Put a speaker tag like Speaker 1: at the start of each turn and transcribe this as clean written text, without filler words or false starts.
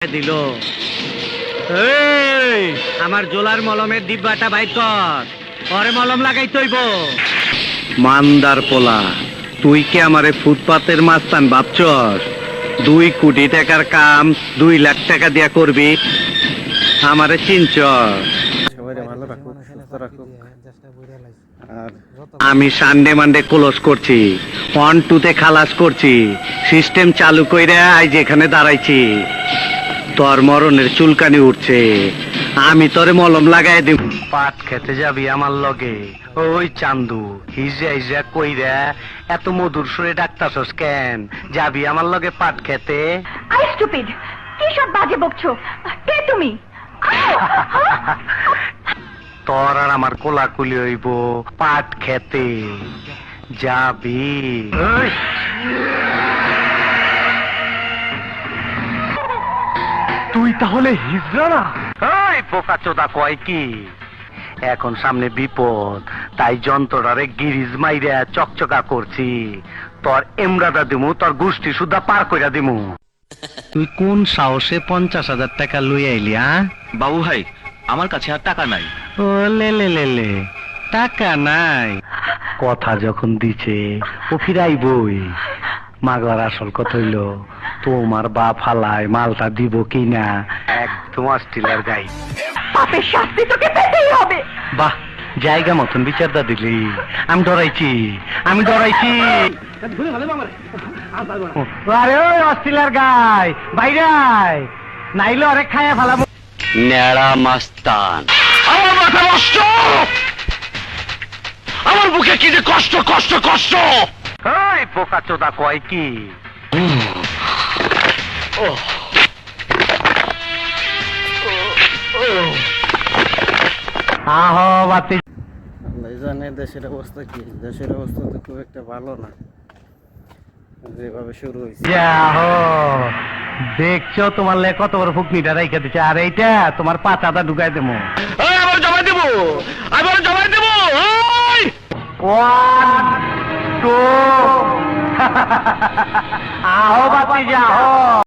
Speaker 1: দিল। এই আমার জোলার মলমের ডিব্বাটা বাইর কর, পরে মলম লাগাই তৈব। মান্দার পোলা, তুই কি আমারে ফুটপাতের মাস্তান ভাবছস? 2 কোটি টাকার কাম 2 লাখ টাকা দিয়া করবি? আমারে চিনছস? আমি সানডে মানডে ক্লোজ করছি, 1 2 তে খালাস করছি, সিস্টেম চালু কইরা আজ এখানে দাঁড়াইছি। তোর মরণের চুলকানি উঠছে, আমি তোরে মলম লাগাই দিব। পাট খেতে যাবি আমার লগে? ওই চান্দু হিজা হিজা কইরা এত মধুর সুরে ডাকতাছস কেন? যাবি আমার লগে পাট খেতে?
Speaker 2: আই স্টুপিড, কি সব বাজে বকছো? কে তুমি?
Speaker 1: তোর আর আমার কোলাকুলি হইব পাট খেতে। যাবি? তুই তাহলে হিজড়া না? ওই বোকা চোদা কয় কি? এখন সামনে বিপদ, তাই যন্ত্রটারে গিরিজ মাইরা চকচকা করছি। তোর এমরাদা দিমু, তোর গোষ্ঠী সুদ্ধা পার কইরা দিমু। তুই কোন সাহসে 50,000 টাকা লই আইলি?
Speaker 3: বাবু ভাই, আমার কাছে আর টাকা নাই।
Speaker 1: ও লে লে লে লে, টাকা নাই? কথা যখন দিছে ও ফিরাইবই। মাগর আসল কথা হইল, তোমার বাপ হালায় মালটা দিব কিনা একদম অস্ট্রেলিয়ার গাই।
Speaker 2: পাপের শাস্তি তোকে পেতেই হবে।
Speaker 1: বাহ, জায়গা মতন বিচারটা দিলি। আমি ডরাইছি, আমি ডরাইছি। আরে ওই অস্ট্রেলিয়ার গাই বাইরে আয়, নাইলে অনেক খায়া ফেলাবো।
Speaker 3: নেড়া মাস্তান, আমার মাথা নষ্ট, আমার বুকে কি যে কষ্ট কষ্ট কষ্ট।
Speaker 1: ওই বোকা চোদা কয় কি? আহো বাতি
Speaker 4: জানে দেশের অবস্থা কি। দেশের অবস্থা তো খুব একটা ভালো না, যেভাবে শুরু হয়েছে।
Speaker 1: যাহো, দেখছো তোমার লে কত বড় ফুকনিটা রাইখা দিচ্ছে, আর এইটা তোমার পাতাটা ঢুকাই দেবো।
Speaker 3: আবার জমা দেবো, আবার জমা দেবো।
Speaker 1: 1 2 আহো বাতি যাও।